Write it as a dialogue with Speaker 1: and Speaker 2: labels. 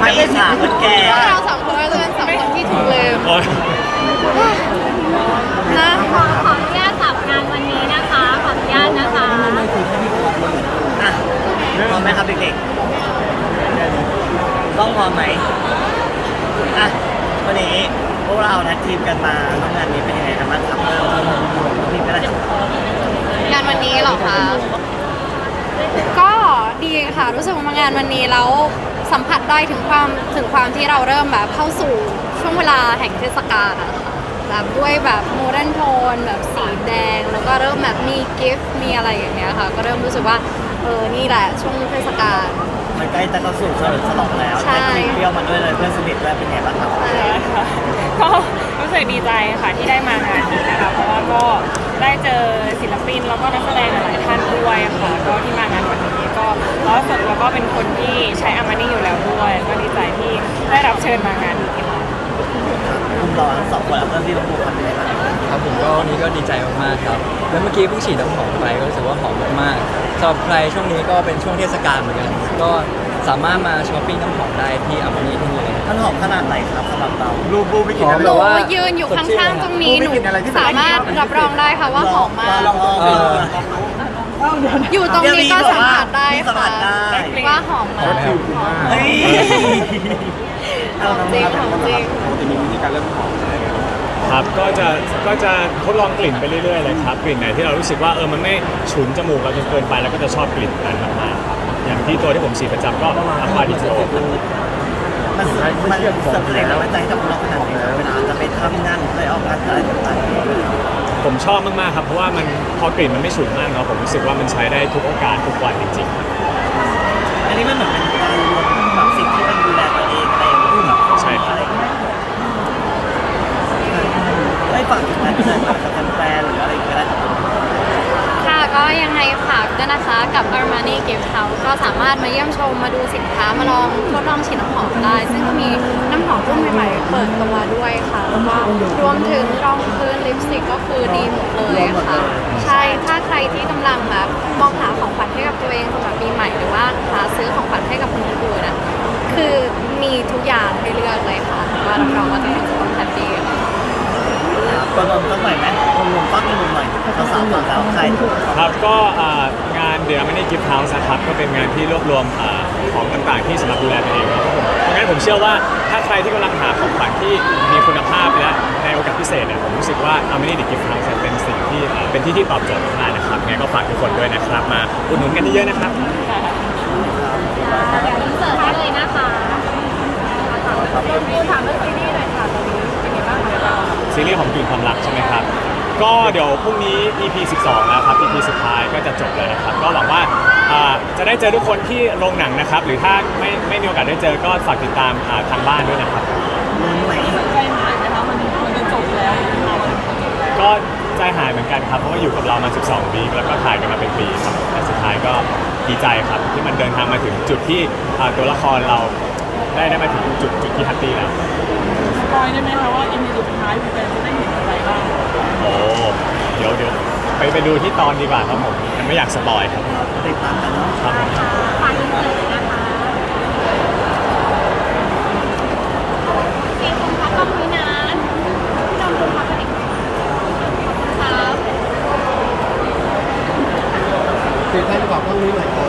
Speaker 1: อิจฉาคนแก่
Speaker 2: เราสองคนก็จะเป็นสองคนที่ถูกลืมนะ
Speaker 3: ขออนุญาตสับงานวันนี้นะคะขออนุญาตนะคะ
Speaker 1: อ่ะพร้อมไหมครับเด็กๆต้องพร้อมไหมอ่ะวันนี้พวกเรานัดทีมกันมาทำงานนี้เป็นยังไงกันบ้างครับทีมก็ได้
Speaker 2: งานวันนี้เหรอคะก็ดีค่ะรู้สึกว่างานวันนี้แล้วสัมผัสได้ถึงความที่เราเริ่มแบบเข้าสู่ช่วงเวลาแห่งเทศกาลนะคะแบบด้วยแบบโมเดิร์นโทนแบบสีแดงแล้วก็เริ่มแบบมีกิฟต์มีอะไรอย่างเงี้ยค่ะก็เริ่มรู้สึกว่านี่แหละช่วงเทศกาล
Speaker 1: มันใกล้จะเข้าสู่เฉลิมฉลองแล้วได้คลิปเปรี้ยวมาด้วยเลยเพื่อนสนิทด้วยเป็นไงบ้างครับ
Speaker 4: ก็รู้สึกดีใจค่ะที่ได้มางานนี้นะคะเพราะว่าก็ได้เจอศิลปินแล้วก็นักแสดงหลายท่านด้วยค่ะก็ที่มางานวันนี้ก็แล้วส่วนตัวก็เป็นคนที่ใช้อามานี่อยู่แล้วด้วยก็ดีใจที่ได้รับเชิญมางานนี้ค่ะ
Speaker 1: คุณรอทั้งสองคนแล้วเพื่อนที่เราพูดกันเลยนะครับ
Speaker 5: ผมก็วันนี้ก็ดีใจมากๆครับแล้วเมื่อกี้เพิ่งฉีดน้ำหอมไปก็รู้สึกว่าหอมมากๆสำหรับใครช่วงนี้ก็เป็นช่วงเทศกาลเหมือนกันก็สามารถมาช้อปปิ้งน้ำหอมได้ที่อามานี่ที่นี่เลย
Speaker 1: มันหอมขนาดไหนครับสำหรับเรา
Speaker 5: รูปไม่กินอะไร
Speaker 2: หนูยืนอยู่ข้างๆตรงนี้หนูสามารถรับรองได้ค่ะว่าหอมมากอยู่ตรงนี้ก็สัมผัสได้ค่ะว่าหอมมาก
Speaker 1: เฮ้ย
Speaker 2: หอมจริงหอมจริง
Speaker 5: จะมีวิธีการเริ่มหอม
Speaker 6: ครับก็จะทดลองกลิ่นไปเรื่อยๆเลยครับกลิ่นไหนที่เรารู้สึกว่ามันไม่ฉุนจมูกเราจนเกินไปแล้วก็จะชอบกลิ่นนั้นมากๆครับอย่างที่ตัวที่ผมฉีดประจำก็อัควาดิโซ
Speaker 1: มันเสริมแรงแล้วใจกับเราขนาดไหนเวลาจะไปทำงานหรือออกงานอะไรต่างๆ
Speaker 6: ผมชอบมากๆครับเพราะว่ามันพอกลิ่นมันไม่ฉุนมากเนาะผมรู้สึกว่ามันใช้ได้ทุกโอกาสทุกวันจริงๆครับ
Speaker 1: อันนี้มันเหมือนเป็นการรวมแบบสิ่งที่มันดูแลตัวเองอะไรอย่างเงี้ย
Speaker 6: ใช่ครับ
Speaker 1: ไม่ฝากถึงการเดินกับแฟนหรืออะไรก็ได้
Speaker 2: ค่ะก็ยังไงฝากด้วยนะคะกับ Armani Gift House ก็สามารถมาเยี่ยมชมมาดูสินค้ามาลองทดลองฉีดน้ำหอมได้ ซึ่งก็มีน้ำหอมรุ่นใหม่ๆเปิดตัวด้วยค่ะแล้วก็รวมถึงรองพื้นลิปสติกก็คือดีหมดเลยค่ะใช่ถ้าใครที่กำลังแบบมองหาของขวัญให้กับตัวเองสำหรับปีใหม่หรือว่าหาซื้อของขวัญให้กับคนอื่นๆนะคือมีทุกอย่างให้เลือกเลยค่ะว่ารับรองว่าทุกคนจะต้องแฮปปี้ค่ะ
Speaker 1: ตัวนนท์สักหน่อยไหมรวมปั๊บรวมหน่อยเราสามฝั่งแล้วใคร
Speaker 6: ครับก็งาน The Armani Gift House นะครับก็เป็นงานที่รวบรวมของต่างๆที่สำหรับดูแลตัวเองครับผมเพราะงั้นผมเชื่อว่าถ้าใครที่กำลังหาของขวัญที่มีคุณภาพและในโอกาสพิเศษเนี่ยผมรู้สึกว่า Armani The Gift House เป็นสิ่งที่เป็นที่ตอบโจทย์มากๆนะครับงั้นก็ฝากทุกคนด้วยนะครับมาอุดหนุนกันเยอะๆนะครับ
Speaker 3: เดี๋ยวอินเสิร์ตให้เลยนะคะดูถามเรื่องซีรีส์หน่อยค่ะตอนนี้เป็นยังไงบ้างคะเรา
Speaker 6: ซีรีส์ของกลิ่นความรักใช่ไหมครับ ก็เดี๋ยวพรุ่งนี้ EP 12 แล้วครับ EP สุดท้ายก็จะจบแล้วนะครับ ก็หวังว่าจะได้เจอทุกคนที่โรงหนังนะครับ หรือถ้าไม่มีโอกาสได้เจอก็ฝากติดตามทางบ้านด้วยนะครับ
Speaker 4: ใจหายไหมคะมันจะจบแล้ว
Speaker 6: ก็ใจหายเหมือนกันครับ เพราะว่าอยู่กับเรามา 12 ปีแล้วก็ถ่ายกันมาเป็นปีครับ แต่สุดท้ายก็ดีใจครับที่มันเดินทางมาถึงจุดที่ตัวละครเราได้มาถึงจุดที่แฮปปี้แล้ว
Speaker 4: สปอยได้ไหมคะว่าอีพีสุดท้ายคุณจะได้เห็นอะไรบ้าง
Speaker 6: โอ้เดี๋ยวไปดูที่ตอนดีกว่าครับผมมันไม่อยากสปอยครับ
Speaker 1: ติดตามกันเนาะ
Speaker 6: ครับผม
Speaker 3: ฝากอินเสิร์ตเลยนะคะสี่คนพักกล้องนี้นะพี่น้องคุณพักกันอีกครับ
Speaker 5: คือท่านบอกต้องรู้หน่อย